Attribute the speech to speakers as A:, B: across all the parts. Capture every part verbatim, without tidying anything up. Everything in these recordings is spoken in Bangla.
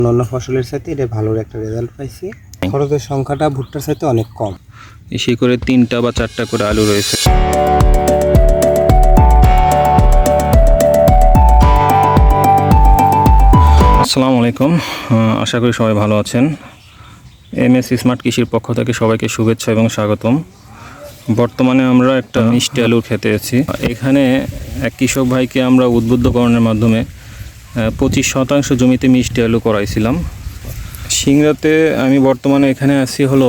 A: অন্য ফসলের সাথে এটা ভালো একটা রেজাল্ট পাইছি। খরচের সংখ্যাটা ভুট্টার সাথে অনেক কম।
B: এসে করে তিনটা বা চারটা করে আলু রয়েছে। আসসালামু আলাইকুম, আশা করি সবাই ভালো আছেন। এম এস স্মার্ট কৃষির পক্ষ থেকে সবাইকে শুভেচ্ছা এবং স্বাগতম। বর্তমানে আমরা একটা মিষ্টি আলুর খেতে আছি। এখানে এক কৃষক ভাইকে আমরা উদ্বুদ্ধকরণের মাধ্যমে পঁচিশ শতাংশ জমিতে মিষ্টি আলু করাইছিলাম। সিংড়াতে আমি বর্তমানে এখানে আছি হলো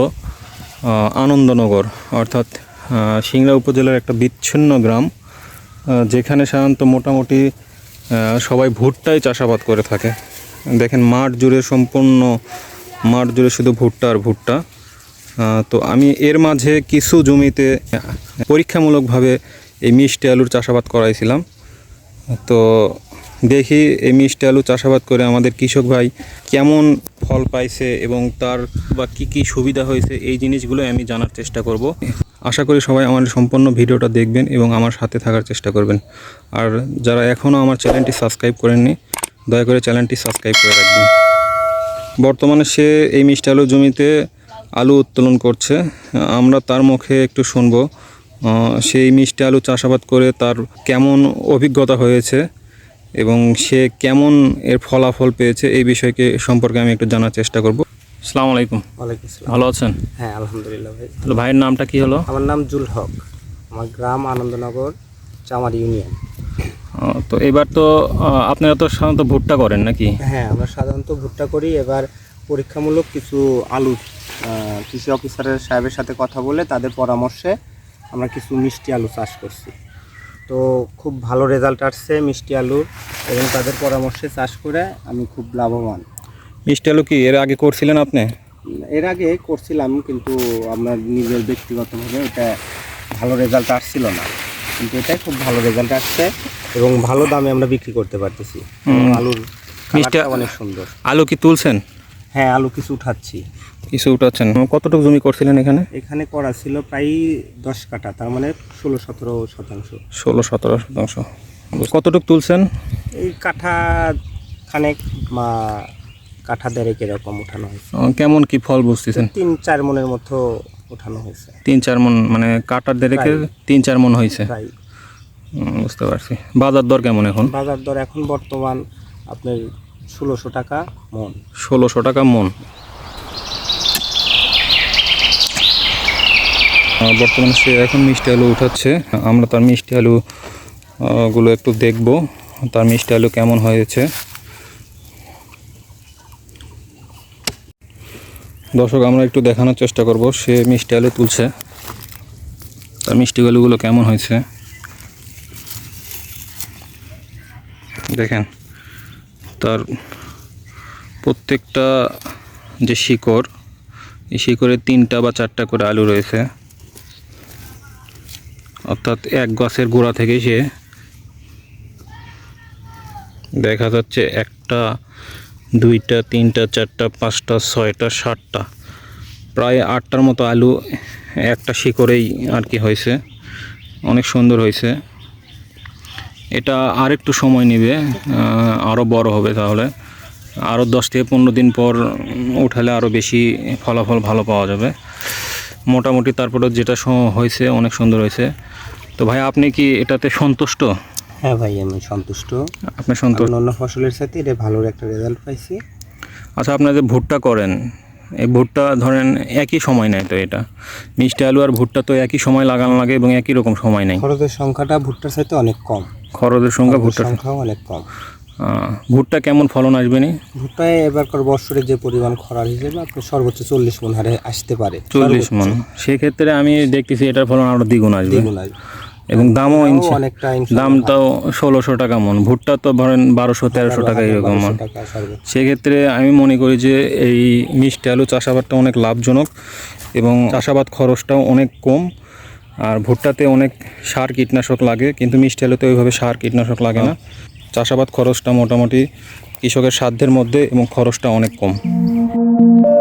B: আনন্দনগর, অর্থাৎ সিংড়া উপজেলার একটা বিচ্ছিন্ন গ্রাম, যেখানে সাধারণত মোটামুটি সবাই ভুট্টাই চাষাবাদ করে থাকে। দেখেন মাঠ জুড়ে, সম্পূর্ণ মাঠ জুড়ে শুধু ভুট্টা আর ভুট্টা। তো আমি এর মাঝে কিছু জমিতে পরীক্ষামূলকভাবে এই মিষ্টি আলুর চাষাবাদ করাইছিলাম। তো দেখি এই মিষ্টি আলু চাষাবাদ করে আমাদের কৃষক ভাই কেমন ফল পাইছে এবং তার বা কী কী সুবিধা হয়েছে, এই জিনিসগুলো আমি জানার চেষ্টা করব। আশা করি সবাই আমার সম্পূর্ণ ভিডিওটা দেখবেন এবং আমার সাথে থাকার চেষ্টা করবেন। আর যারা এখনও আমার চ্যানেলটি সাবস্ক্রাইব করেননি, দয়া করে চ্যানেলটি সাবস্ক্রাইব করে রাখবেন। বর্তমানে সে এই মিষ্টি আলু জমিতে আলু উত্তোলন করছে। আমরা তার মুখে একটু শুনবো সেই মিষ্টি আলু চাষাবাদ করে তার কেমন অভিজ্ঞতা হয়েছে এবং সে কেমন এর ফলাফল পেয়েছে, এই বিষয়কে সম্পর্কে আমি একটু জানার চেষ্টা করব। আসসালামু আলাইকুম।
A: ওয়ালাইকুম আসসালাম।
B: ভালো আছেন?
A: হ্যাঁ, আলহামদুলিল্লাহ ভাই।
B: তাহলে ভাইয়ের নামটা কি হলো?
A: আমার নাম জুল হক, আমার গ্রাম আনন্দনগর, চামার ইউনিয়ন।
B: তো এবার তো আপনারা তো সাধারণত ভুট্টা করেন নাকি?
A: হ্যাঁ, আমরা সাধারণত ভুট্টা করি। এবার পরীক্ষামূলক কিছু আলু কৃষি অফিসারের সাহেবের সাথে কথা বলে তাদের পরামর্শে আমরা কিছু মিষ্টি আলু চাষ করছি। তো খুব ভালো রেজাল্ট আসছে মিষ্টি আলু, এবং তাদের পরামর্শে চাষ করে আমি খুব লাভবান।
B: মিষ্টি আলু কি এর আগে করছিলেন আপনি?
A: এর আগে করছিলাম, কিন্তু আমার নিজের ব্যক্তিগতভাবে এটা ভালো রেজাল্ট আসছিল না, কিন্তু এটাই খুব ভালো রেজাল্ট আসছে এবং ভালো দামে আমরা বিক্রি করতে পারতেছি। আলুর
B: মিষ্টি
A: অনেক সুন্দর।
B: আলু কি তুলছেন?
A: হ্যাঁ, আলু কিছু উঠাচ্ছি।
B: কিছু উঠাচ্ছেন? কতটুকু জমি করছিলেন এখানে?
A: এখানে করা ছিল প্রায় দশ কাঠা, তার মানে ষোলো সতেরো শতাংশ।
B: ষোলো সতেরো শতাংশ। কতটুকু তুলছেন?
A: এই কাঠা খানেক বা কাঠা দেড়েক এরকম উঠানো হয়েছে।
B: কেমন কি ফল বুঝতেছেন?
A: তিন চার মনের মতো উঠানো হয়েছে।
B: তিন চার মন মানে কাটার দেড়েকের তিন চার মন হয়েছে।
A: প্রায়।
B: বুঝতে পারছি। বাজার দর কেমন এখন?
A: বাজার দর এখন বর্তমান আপনার ষোলোশো টাকা মন।
B: ষোলোশো টাকা মন। বর্তমানে সে এখন মিষ্টি আলু উঠাচ্ছে। আমরা তার মিষ্টি আলু গুলো একটু দেখব, তার মিষ্টি আলু কেমন হয়েছে। দর্শক, আমরা একটু দেখানোর চেষ্টা করব সে মিষ্টি আলু তুলছে, তার মিষ্টি আলুগুলো কেমন হয়েছে দেখেন। তার প্রত্যেকটা যে শিকড়, এই শিকড়ে তিনটা বা চারটা করে আলু রয়েছে, অর্থাৎ এক গাছের গোড়া থেকে সে দেখা যাচ্ছে একটা, দুইটা, তিনটা, চারটা, পাঁচটা, ছয়টা, সাতটা, প্রায় আটটার মতো আলু একটা শিকড়েই আর কি হয়েছে। অনেক সুন্দর হয়েছে। এটা আর একটু সময় নেবে, আরও বড় হবে, তাহলে আরও দশ থেকে পনেরো দিন পর উঠালে আরও বেশি ফলাফল ভালো পাওয়া যাবে। মোটামুটি তারপরে যেটা হয়েছে অনেক সুন্দর হয়েছে। তো ভাই, আপনি কি এটাতে সন্তুষ্ট?
A: হ্যাঁ ভাই, আমি সন্তুষ্ট।
B: আপনি সন্তুষ্ট?
A: অন্য ফসলের সাথে এটা ভালো একটা রেজাল্ট পাইছি।
B: আচ্ছা, আপনারা যে ভুট্টা করেন, এই ভুট্টা ধরেন একই সময় নেয়, তো এটা মিষ্টি আলু আর ভুট্টা তো একই সময় লাগানো লাগে এবং একই রকম সময় নেই।
A: খরচের সংখ্যাটা ভুট্টার সাথে অনেক কম।
B: খরচের সংখ্যা ভুট্টার
A: সংখ্যাও অনেক কম।
B: ভুট্টা কেমন ফলন আসবে? নি
A: ভুট্টায় এবারকার বছরে যে পরিমাণ খরার হিসেবে আপনার সর্বোচ্চ চল্লিশ মন হারে আসতে পারে।
B: চল্লিশ মন। সেক্ষেত্রে আমি দেখতেছি এটার ফলন আরও দ্বিগুণ আসবে এবং দামও অনেকটা, দামটাও ষোলোশো টাকা মন। ভুট্টা তো ধরেন বারোশো তেরোশো টাকা এরকম মন। সেক্ষেত্রে আমি মনে করি যে এই মিষ্টি আলু চাষাবাদটা অনেক লাভজনক এবং চাষাবাদ খরচটাও অনেক কম। আর ভুট্টাতে অনেক সার কীটনাশক লাগে, কিন্তু মিষ্টি আলুতে ওইভাবে সার কীটনাশক লাগে না। চাষাবাদ খরচটা মোটামুটি কৃষকের সাধ্যের মধ্যে এবং খরচটা অনেক কম।